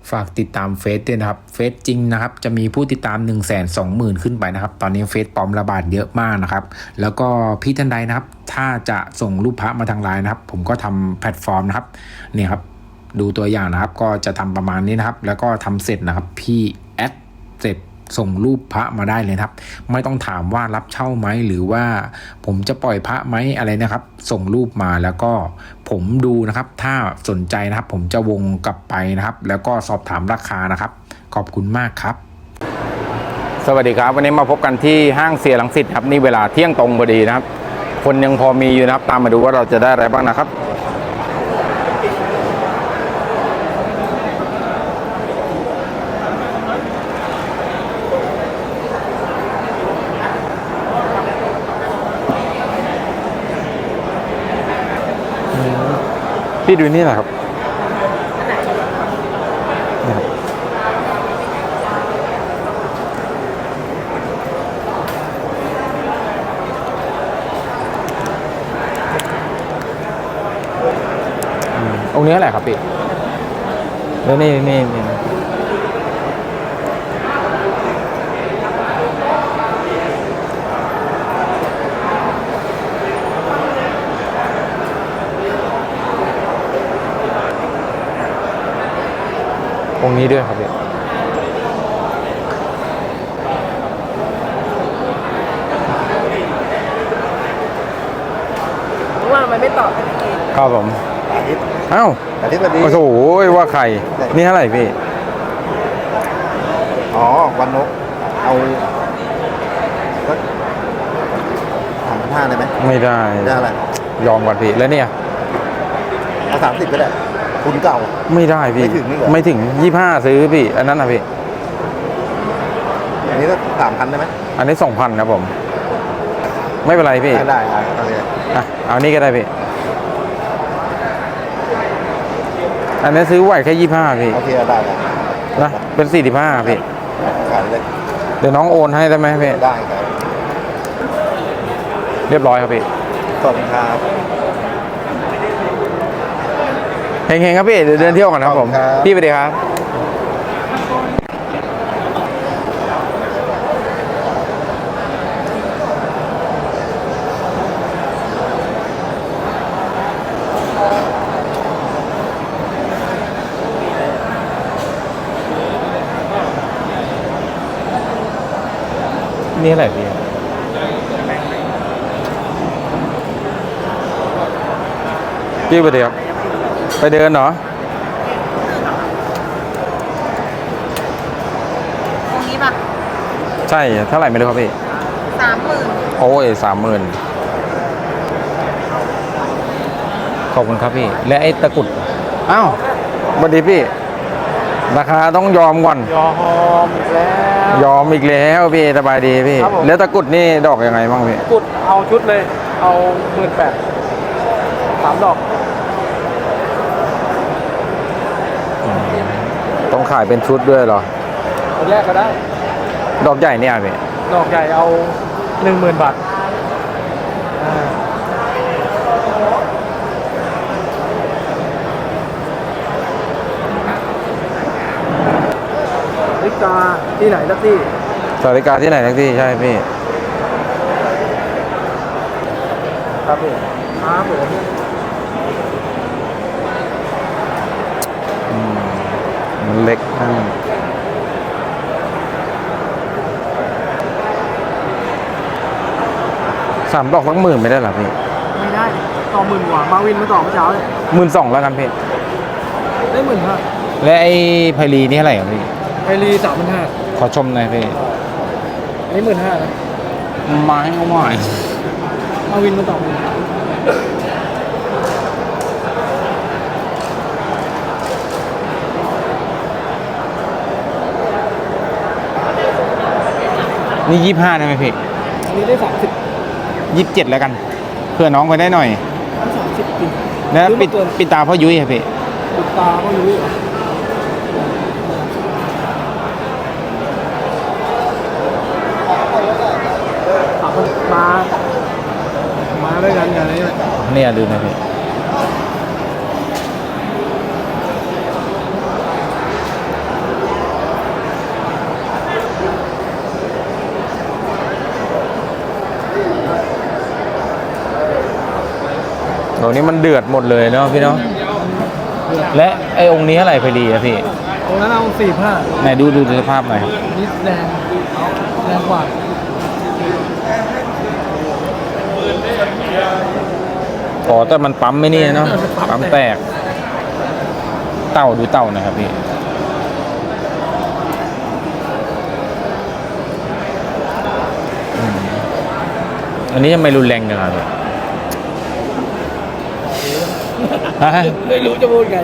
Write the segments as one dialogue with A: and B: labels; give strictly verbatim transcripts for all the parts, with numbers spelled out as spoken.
A: ฝากติดตามเฟซด้วยนะครับเฟซจริงนะครับจะมีผู้ติดตาม หนึ่งแสนสองหมื่น ขึ้นไปนะครับตอนนี้เฟซปลอมระบาดเยอะมากนะครับแล้วก็พี่ท่านใดนะครับถ้าจะส่งรูปพระมาทางไลน์นะครับผมก็ทำแพลตฟอร์มนะครับเนี่ยครับดูตัวอย่างนะครับก็จะทำประมาณนี้นะครับแล้วก็ทำเสร็จนะครับพี่แอดเสร็จส่งรูปพระมาได้เลยครับไม่ต้องถามว่ารับเช่าไหมหรือว่าผมจะปล่อยพระไหมอะไรนะครับส่งรูปมาแล้วก็ผมดูนะครับถ้าสนใจนะครับผมจะวงกลับไปนะครับแล้วก็สอบถามราคานะครับขอบคุณมากครับสวัสดีครับวันนี้มาพบกันที่ห้างเสียรังสิตครับนี่เวลาเที่ยงตรงพอดีนะครับคนยังพอมีอยู่นะครับตามมาดูว่าเราจะได้อะไรบ้างนะครับพี่ดูนี่แหละครับองค์นี้อะไรครับพี่แล้วนี่นี่นี่องค์นี้ด้วยครับพี่
B: ว่ามันไม่ตอบกันเอง
A: ครับผมเอ้า
C: อาทิตย์วันนี้
A: โอ้โหว่าใครนี่เท่าไหร่พี่
C: อ๋อวันนกเอาสักสามพันห้าได้ไหม
A: ไม่ได้
C: ได้อะไร
A: ยอมก่อนพี่แล้วเนี่ย
C: เอาสามสิบก็ได้คุณเก่า
A: ไม่ได้พี่
C: ไม่ถึงนี่เหรอ
A: ไม่ถึงยี่ห้าซื้อพี่อันนั้นนะพี่
C: อันนี้ก็สามพันได้ไหม
A: อันนี้สองพันครับผมไม่เป็นไรพี่
C: ได้ได้เอาเลย
A: อ่ะเอานี่ก็ได้พี่อันนี้ซื้อไหวแค่ยี่ห้าพี่
C: โอเคได้ได้
A: นะเป็นสี่สิบห้าพี่
C: ขายเลย
A: เดี๋ยวน้องโอนให้ได้ไหมพี่
C: ได้ครับ
A: เรียบร้อยครับพี่
C: ขอบคุณครับ
A: เฮงๆครับพี่เดี๋ยวเดินเที่ยวก่อนครับผมพี่ไปดีครับนี่อะไรพี่พี่ไปดีครับไปเดินเหรอ
B: ตรงนี้ป่ะ
A: ใช่เท่าไหร่ไม่รู้ครับพี่
B: สามหมื่น
A: โอ้ยสามหมื่นขอบคุณครับพี่และไอ้ตะกุดอ้าวสวัสดีพี่ราคาต้องยอมก่อน
C: ยอมแล้ว
A: ยอมอีกแล้วพี่สบายดีพี่แล้วตะกุดนี่ดอกยังไงบ้างพี่
C: กุดเอาชุดเลยเอาหมื่นแปดสามดอก
A: ต้องขายเป็นชุดด้วยเหรอ
C: แยกก็ได้
A: ดอกใหญ่เนี่ยพี่
C: ดอกใหญ่เอาหนึ่งหมื่นบาทสาริกาที่ไหนสักที่
A: สาริกาที่ไหนสักที่ใช่พี่
C: ครับพี่ครับผม
A: มันเล็กนั่นสามดอกสักหมื่นไม่ได้หรอพี่
C: ไม่ได้ต่อหมื่นกว่ามาวินมาต่อเมื่อเช้าเลย
A: หมื่นสองแล้วกันพี่
C: ได้หมื่นห้า
A: และไอ้ไพลีนี่เท่าไหร่ครับพี่
C: ไพลีสามพันห้า
A: ขอชมหน่อยพี่
C: อันนี้หมื่นห้านะ
A: ไม้เอาใหม่
C: มาวินมาต่อหมื่น
A: นี่ยี่ห้าได้ไหมพี่
C: อันนี้ได้สามสิบ
A: ยี่สิบเจ็ดแล้วกันเพื่อน้องไปได้หน่อย
C: สามสิบปี
A: แล้วปิดปิดตาพ่อยุ้ยครับพี่
C: ปิดตาพ่อยุ้ยมามาด้วยกันอย่างนี้
A: เนี่ยดูนะพี่
C: อ
A: ตัวนี้มันเดือดหมดเลยเนาะพี่เนาะและไอ้องค์นี้อะไรพอดีอะพี่
D: ตรงนั้นเอาสี่ห้า
A: ไหนดูดูสภาพหน่อยครับ
D: นิดแดงแรงกว่า
A: อ๋อแต่มันปั๊มไม่นี่เนาะปั๊มแตก เต่าดูเต่าหน่อยครับพี่อืมอันนี้ทำไมรุนแรงจังครับฮะ
D: ไม่รู้จะพูดไง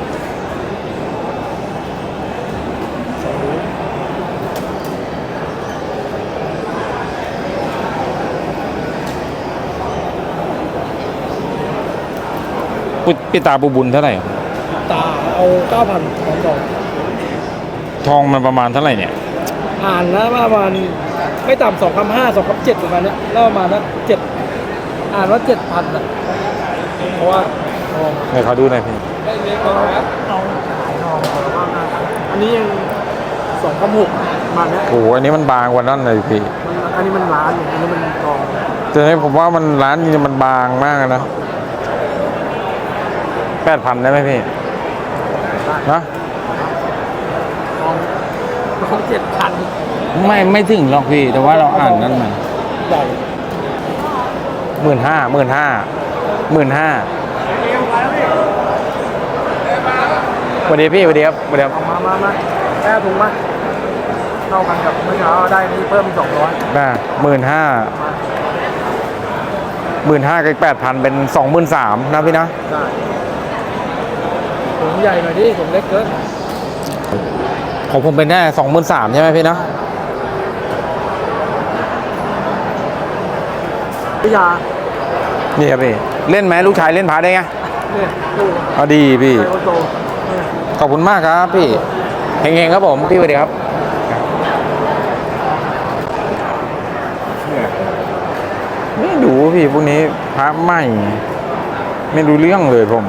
A: ปุปิตาปูบุญเท่าไหร่ครับ
D: ตาเอาเก้าพันสองดอก
A: ทองมันประมาณเท่าไหร่เนี่ย
D: อ่านนะว่ามันไม่ต่ำสองพันห้าสองพันเจ็ดประมาณเนี้ยแล้วประมาณนั้นเจ็ดอ่านว่าเจ็ดพันอ่ะเพราะว่าทอง
A: ให้เขาดูหน่อยพี่
D: เอาเอาขายทองอันนี้ยังสองพันหกประมาณเนี้ย
A: โอ้โหอันนี้มันบางกว่านั้นเลยพี่
D: มันอันนี้มันล้านอย่างอันนี้มันทอง
A: แต่ให้ผมว่ามันร้านนี้มันบางมากนะแปดพันได้ไหมพี่นะ
D: ทองทองเจ็ดพัน
A: ไม่ไม่ถึงหรอกพี่ แต่ว่าเราอ่านนั่นมา
D: ใหญ่
A: หมื่นห้าหมื่นห้าหมื่นห้าสวัสดีพี่สวัสดีครับสวัสดีครับ
D: เอามามามาแก้ถุงมาเท่ากันกับเมื่อเช้าได้นี้เพิ่มสองร้อย
A: น่ะหมื่นห้าหมื่นห้ากับแปดพันเป็นสองหมื่นสามนะพี่นะ
D: ได้ถุงใหญ่หน่อยดิถุงเล็กเกิน
A: ของผมเป็นแค่สองหมื่นสามใช่ไหมพี่นะ
D: พิยา
A: นี่ครับพี่เล่นไหมลูกชายเล่นพาได้ไง
D: เนี่ยลูก
A: เอาดีพี่
D: ไอโอโตเนี่ย
A: ขอบคุณมากครับพี่เฮงๆครับผมพี่สวัสดีครับไม่ดูพี่พวกนี้พระใหม่ ไม่รู้เรื่องเลยผม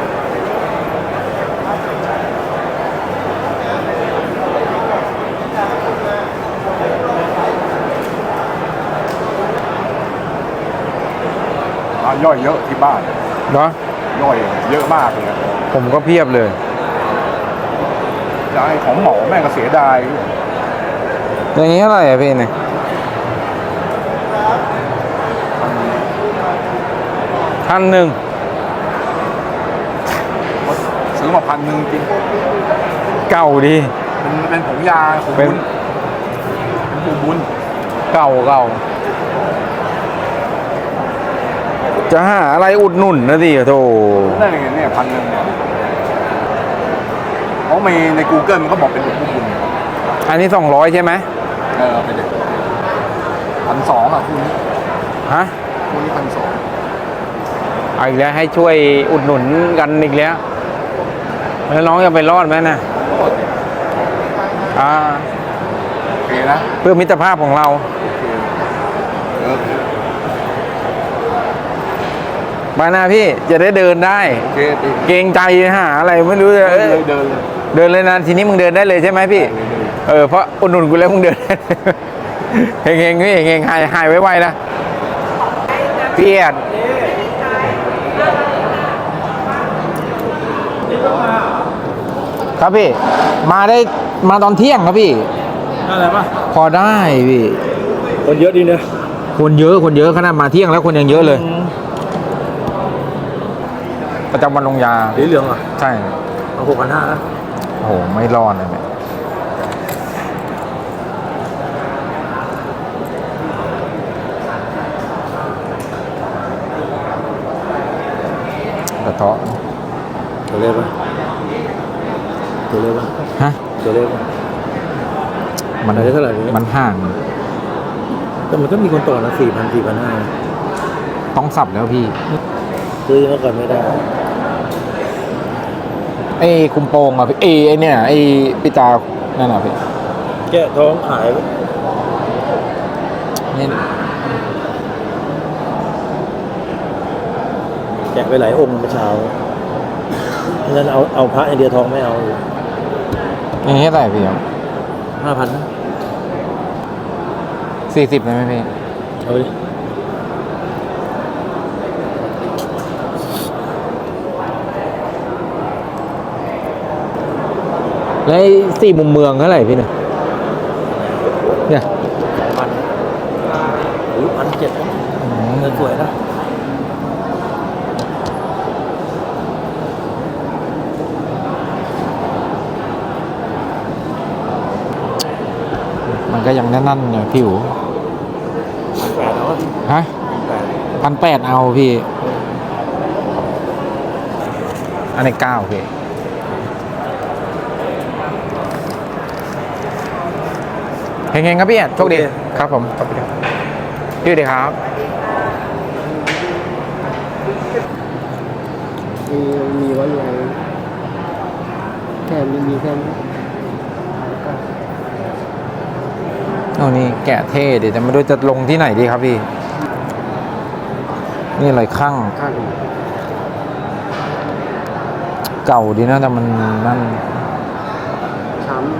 C: ร้านย่อยเยอะที่บ้าน
A: เนาะ
C: ย่อยเยอะมากเลย
A: ผมก็เพียบเลย
C: จะให้ของหมอแม่งก็เสียดาย
A: อย่างนี้เท่าไหร่อะพี่เนี่ยพันหนึ่ง
C: ซื้อมาพันหนึ่งจริง
A: เก่าดี
C: เป็นเป็นผงยาผง
A: เป็น
C: บุญเป็นผงบุญ
A: เก่าเก่าจะหาอะไรอุดหนุนนะดิโธ่
C: นั่นไงเนี่ยพันหนึ่งเนี่ยเพราะในใน Google มันก็บอกเป็นผงบุญ
A: อันนี้สองร้อยใช่ไหม
C: เออไปเด็กพันสองอ่ะคุณ
A: ฮะ
C: คุณนี่พันสอง
A: เอาอีกแล้วให้ช่วยอุดหนุนกันอีกแล้วแล้วน้องจะไปรอดไหมนะอ่า
C: โอเคนะ
A: เพื่อมิตรภาพของเรา
C: เออ
A: มาหน้าพี่จะได้เดินได้
C: โอเคดี
A: เกรงใจหาอะไรไม่รู้จะ
C: เดิ
A: เอ้
C: น
A: ย
C: เลยเดินเลย
A: เดินเลยนะทีนี้มึงเดินได้เลยใช่ไหมพี่ เออเพราะอุดหนุนกูแล้วมึงเดิน เฮงเฮงๆพี่เฮงๆหายหายไวๆนะพี่เอียดครับพี่ มาได้มาตอนเที่ยงครับพี่
D: อะไรป่ะ
A: พอได้พี่
D: คนเยอะดีเนอะ
A: คนเยอะคนเยอะขนาดมาเที่ยงแล้วคนยังเยอะเลย ประจำวันลงยา
D: สีเหลืองอ่ะ
A: ใช่
D: เอาหกพันห้า
A: โอ้โห ไม่รอดเลยเนี่ยกระเทาะ
D: ตัวเล็กป่ะตัวเล็กป่ะ
A: ฮะ
D: ตัวเล็กป่ะ
A: มัน
D: ขายได้เท่าไหร่เนี่ย
A: มันห่าง
D: แต่มันก็มีคนต่อนะสี่พันสี่พันห้า
A: ต้องสับแล้วพี่
D: ซื้อเมื่อก่อนไม่ได้
A: ไอ้คุมโปงอ่ะพี่ไอ้ไอ้เนี่ยไอ้ปิตานั่นอ่ะพี่
D: แกะท้องขาย
A: นี่
D: แกะไปหลายองค์เมื่อเช้างั้นเอาเอาพระอย่างเดียวทองไม่เอา
A: อย่างนี้เท่าไหร่พี่ครับ
D: ห้าพัน
A: สี่สิบได้ไหมพี่
D: เอาไปดิ
A: แล้วไอ้สี่มุมเมืองเท่าไหร่พี่เนี่ยเนี่ย
D: พันหรือพันเจ็ดเงินสวยนะ
A: มันก็ยังแน่นๆอยู่พี่อู๋
D: แปดแล้ว
A: ฮะพันแปดเอาพี่ อันนี้เก้าพี่เฮงๆครับพี่แอดโชคดีครับผมขอบคุณครับพี่ดีครับ
C: มีมีไว้ยังแค่นี้มีแค่นี้
A: เอานี่แกะเท่เดี๋ยวจะไม่รู้จะลงที่ไหนดีครับพี่ นี่อะไรข้าง
C: ข้าง
A: เก่าดีนะแต่มันนั่น
C: ช้ำ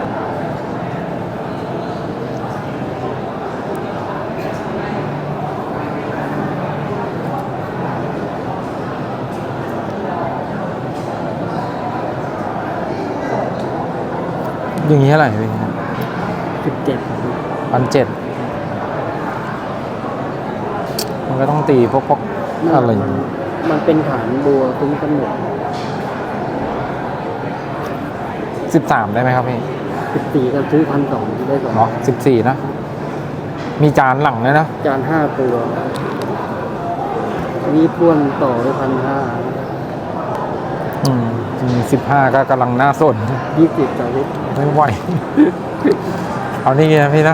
A: อย่างนี้เท่าไหร่พี่
C: สิบเจ็ด
A: พันเจ็ดมันก็ต้องตีพวกพวกอะไร
C: มันมันเป็นฐานบัวคุ้มกำเนิด
A: สิบสามได้ไหมครับพี่
C: สิบสี่ก็ซื้อพันสองได้สอง
A: เนาะสิบสี่นะ มีจานหลังเลยนะ
C: จานห้าตัวนี่ป้วนต่อด้วยพันห้า
A: อืมสิบห้าก็กำลังน่าสน
C: ยี่สิบสาวิต
A: ไม่ไหว เอานี่ไงนะพี่นะ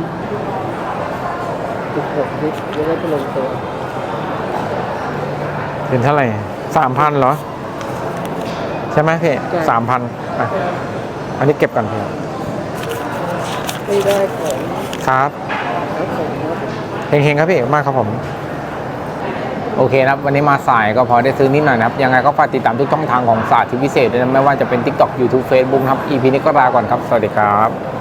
C: สิบหกวิจะได้ไปลงตัว
A: เป็นเท่าไหร่สามพันเหรอ ใช่ไหมพี่สามพันอ่ะอันนี้เก็บกันพี่
C: ไม่ได้ของ
A: ครับ
C: ครับผมครับ
A: เฮงๆครับพี่มากครับผม โอเคนะครับ วันนี้มาสายก็พอได้ซื้อนิดหน่อยนะครับ ยังไงก็ฝากติดตามทุกช่องทางของศาสตร์ที่พิเศษด้วยนะไม่ว่าจะเป็น TikTok YouTube Facebook นะครับ อี พี นี้ก็ลาก่อนครับ สวัสดีครับ